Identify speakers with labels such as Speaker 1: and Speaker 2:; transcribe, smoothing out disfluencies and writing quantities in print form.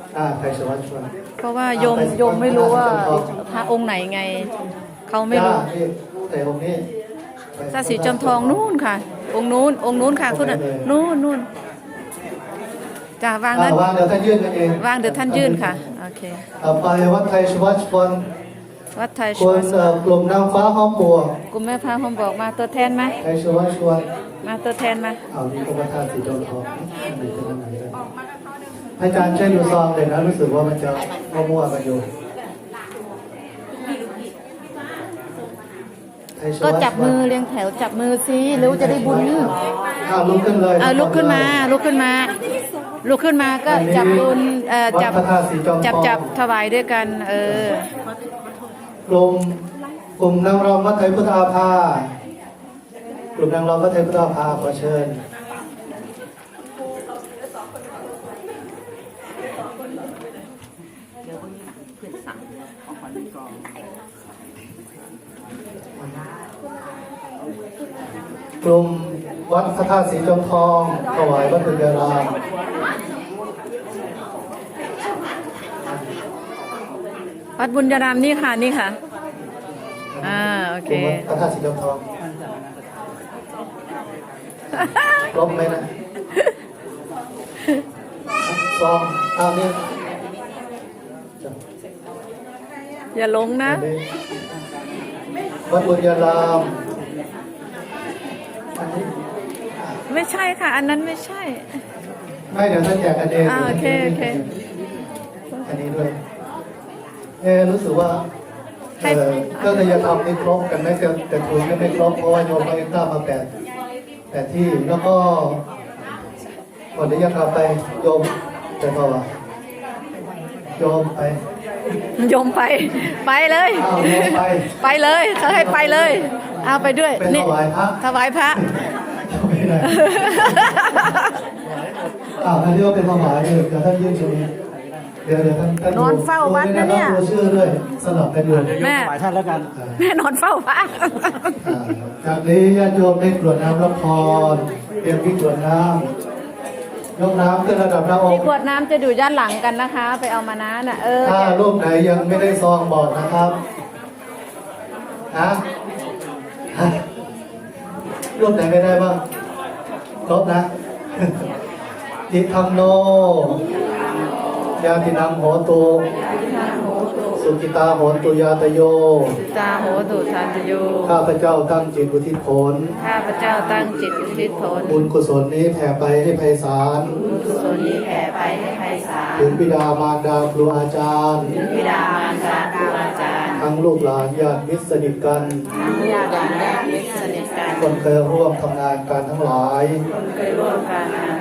Speaker 1: ไทยสวัสดิ์ชวน
Speaker 2: เพราะว่าโยมไม่รู้ว่าพระองค์ไหนไงเขาไม่รู้
Speaker 1: แต่องค์นี้
Speaker 2: พระศรีจอมทองนู่นค่ะองค์นู้นค่ะคุณนู่นจ้าวางนั้น
Speaker 1: วางเดี๋ยวท่านยื่นกันเอง
Speaker 2: วางเดี๋ยวท่านยื่นค่ะโอเค
Speaker 1: ต่อไปวัดไทยสวัสดิ์ชวน
Speaker 2: วัดไทย
Speaker 1: คนกลุ่มนางฟ้าห้อมบัว
Speaker 2: กลุ่มแม่พระห้อมบอกมาตัวแทนไหม
Speaker 1: ไทยสวัสดิ์ชวน
Speaker 2: มาตัวแทนมา
Speaker 1: เอานี่ก็พระธาตุสีจอมทองไหนจะไหนเลยอาจารย์ช่วยดูซองเลยนะรู้สึกว่ามันจะมั่วๆกันอยู่
Speaker 2: ก็จับมือเรียงแถวจับมือสิเร็วจะได้บุญ
Speaker 1: ลุกขึ้นเลย
Speaker 2: ลุกขึ้นมาก็จับบุญจับถวายด้วยกัน
Speaker 1: กลุ่มนางรำวัดไทยพุทธาภากลุ่มนางรำวัดไทยพุทธาภาขอเชิญกลุ่มวัดพระธาตุสีจอมทองถวายวัดปุญญาราม
Speaker 2: วัดบุญญารามนี่ค่ะโอเค
Speaker 1: พระธาตุสีจอมทองลบไหมนะซองนี่
Speaker 2: อย่าลงนะ
Speaker 1: วัดบุญญาราม
Speaker 2: ไม่ใช่ค่ะอันนั้นไม่ใช่
Speaker 1: ไม่เดี๋ยวท่านแจกกันเอง
Speaker 2: โอเค
Speaker 1: อันนี้ด้วยรู้สึกว่าก็จะทำไม่ครบกันไม่แต่ถุงไม่ครบเพราะว่าโยมไม่กล้ามาแต่ที่แล้วก็ก่อนที่จะทำไปโยมแต่พอว่าโยมไป
Speaker 2: เลยไปเลยเขาให้ไปเลยเอาไปด้วย
Speaker 1: นี่
Speaker 2: ถวายพระ
Speaker 1: อันนี้ก็เป็นถวายเดี๋ยวท่านยื่นตรงนี้เดี๋ยวท่าน
Speaker 2: นอนเฝ้าวัดนะเนี่ย
Speaker 1: ชื่อด้วยสลับกันอยู่
Speaker 2: แม่
Speaker 1: ท่านแล้วกัน
Speaker 2: แม่นอนเฝ้าพระ
Speaker 1: จากนี้ญาติโยมได้กรวดน้ำรับพรเตรียมที่กรวดน้ำยกน้ำขึ้นระดับหน้าอก
Speaker 2: ที่กรวดน้ำจะอยู่ด้านหลังกันนะคะไปเอามานะ
Speaker 1: ถ้ารูปไหนยังไม่ได้ซองบอกนะครับรูปไหนไม่ได้บ้างครบนะทิทังโนยาตินังโหตุสุกิตาโหตุยาตโย
Speaker 2: ตาโหตุทานตโย
Speaker 1: ข้าพเจ้าตั้งจิตอุทิศผลบุญกุศลนี้แผ่ไปให้ไพศาลถึงบิดามารดาครูอาจารย์ทั้งลูกหลานญาติมิตรสนิทกันคนเคยร่วมทำงานกันทั้งหลาย